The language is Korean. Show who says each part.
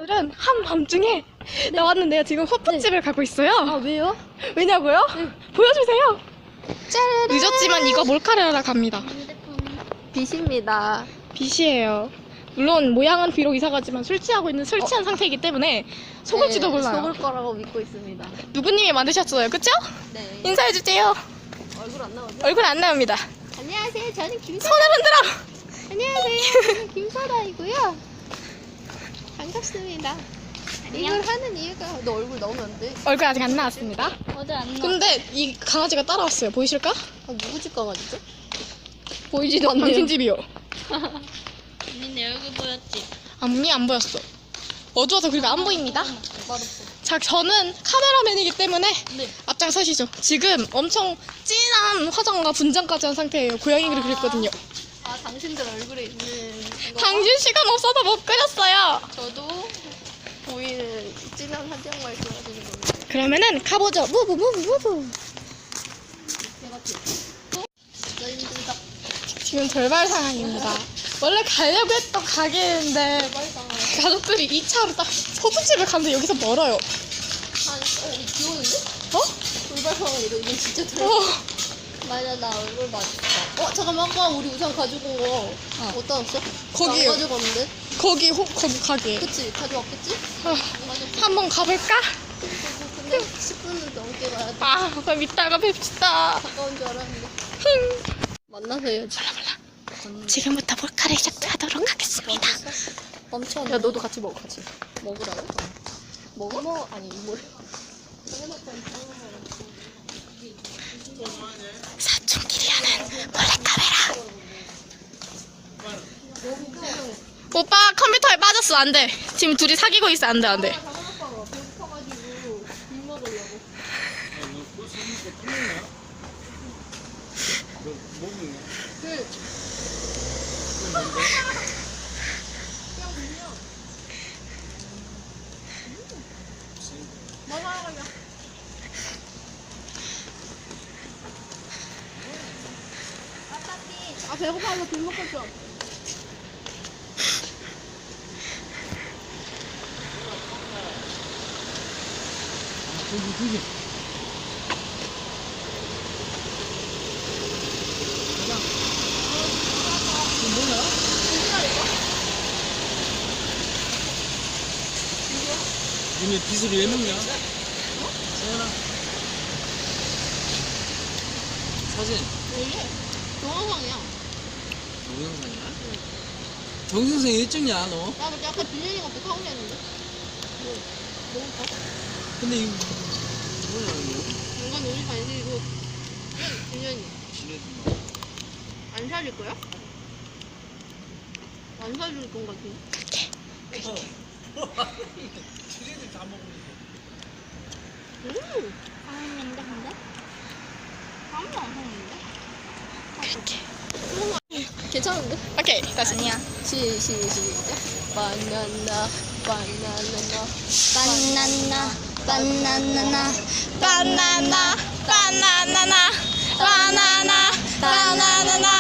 Speaker 1: 오늘은 한밤중에 나왔는데요. 지금 호프집을 가고 있어요.
Speaker 2: 아, 왜요?
Speaker 1: 왜냐고요? 보여주세요.
Speaker 2: 짜라란.
Speaker 1: 늦었지만 이거 몰카를 갑니다.
Speaker 2: 빛입니다.
Speaker 1: 빛이에요. 물론 모양은 비록 이상하지만 술 취한 상태이기 때문에 속을지도 몰라요.
Speaker 2: 속을 거라고 믿고 있습니다.
Speaker 1: 누구님이 만드셨어요, 그쵸?
Speaker 2: 네.
Speaker 1: 인사해주세요.
Speaker 2: 얼굴 안 나오죠?
Speaker 1: 얼굴 안 나옵니다.
Speaker 2: 안녕하세요. 저는 김사.
Speaker 1: 손을 흔들어.
Speaker 2: 안녕하세요. 저는 김사라이고요. 반갑습니다. 이걸 하는 이유가 너 얼굴 나오면 안 돼.
Speaker 1: 얼굴 아직 안 나왔습니다.
Speaker 2: 어제 안 나왔.
Speaker 1: 근데 이 강아지가 따라왔어요. 보이실까?
Speaker 2: 아, 누구 집 강아지죠? 보이지도 않네요.
Speaker 1: 당신 집이요.
Speaker 3: 언니 내 얼굴 보였지?
Speaker 1: 앞니 안 보였어. 어두워서 그리고 안 보입니다.
Speaker 2: 맛없어.
Speaker 1: 자, 저는 카메라맨이기 때문에
Speaker 3: 네.
Speaker 1: 앞장서시죠. 지금 엄청 진한 화장과 분장까지 한 상태예요. 고양이를 그렸거든요.
Speaker 2: 아, 당신들 얼굴에 있는 이거.
Speaker 1: 당신 시간 없어서 못 그렸어요.
Speaker 2: 저도 보이는 진한 한장 말씀하시는 겁니다.
Speaker 1: 그러면은 가보죠. 무브.
Speaker 2: 제가 진짜 힘들다.
Speaker 1: 지금 절발 상황입니다. 원래 가려고 했던 가게인데 가족들이 2차로 딱 호프집을 가는데 여기서 멀어요.
Speaker 2: 아니, 비 오는데?
Speaker 1: 어?
Speaker 2: 돌발상황이다. 이건 진짜 돌발.
Speaker 1: 어.
Speaker 2: 맞아, 나 얼굴 맞았어. 잠깐만, 아까 우리 우산 가지고 온 거 어디다 놨어?
Speaker 1: 거기요.
Speaker 2: 안 가져갔는데?
Speaker 1: 거기 가게.
Speaker 2: 그치? 가져왔겠지?
Speaker 1: 한번 가볼까?
Speaker 2: 근데 10분은 넘게 가야 돼.
Speaker 1: 아, 그럼 이따가 뵙시다.
Speaker 2: 가까운 줄 알았는데. 만나서 해야지.
Speaker 1: 지금부터 몰카를 시작하도록 하겠습니다.
Speaker 2: 멈춰.
Speaker 1: 야, 너도 같이 먹어, 같이.
Speaker 2: 먹으라고? 먹어? 아니, 이걸.
Speaker 1: 사촌끼리 하는 몰래카메라. 오빠 컴퓨터에 빠졌어. 안 돼. 지금 둘이 사귀고 있어. 안 돼, 안 돼.
Speaker 2: 아, 배고파서 bil 먹었어.
Speaker 4: 저기. 니네 빚을 왜 먹냐? 세연아. 사진.
Speaker 2: 동영상이야.
Speaker 4: 동영상이야? 동영상 일찍이야 너?
Speaker 2: 나 근데 아까 빌리니까 못 하고 했는데. 너무 커?
Speaker 4: 근데 이거 뭐야 이거?
Speaker 2: 이건 우리 반식이고, 빌리니.
Speaker 4: 지네들
Speaker 2: 안 사줄 거야? 안 사줄 건 같은데?
Speaker 4: 지네들 다 먹으니까.
Speaker 2: 맛있는데, 근데? 아무도 안 먹는데? 괜찮은데?
Speaker 1: 오케이, 다시.
Speaker 2: 아니야. 시작. 바나나.
Speaker 1: 바나나, 바나나나, 바나나나, 바나나나.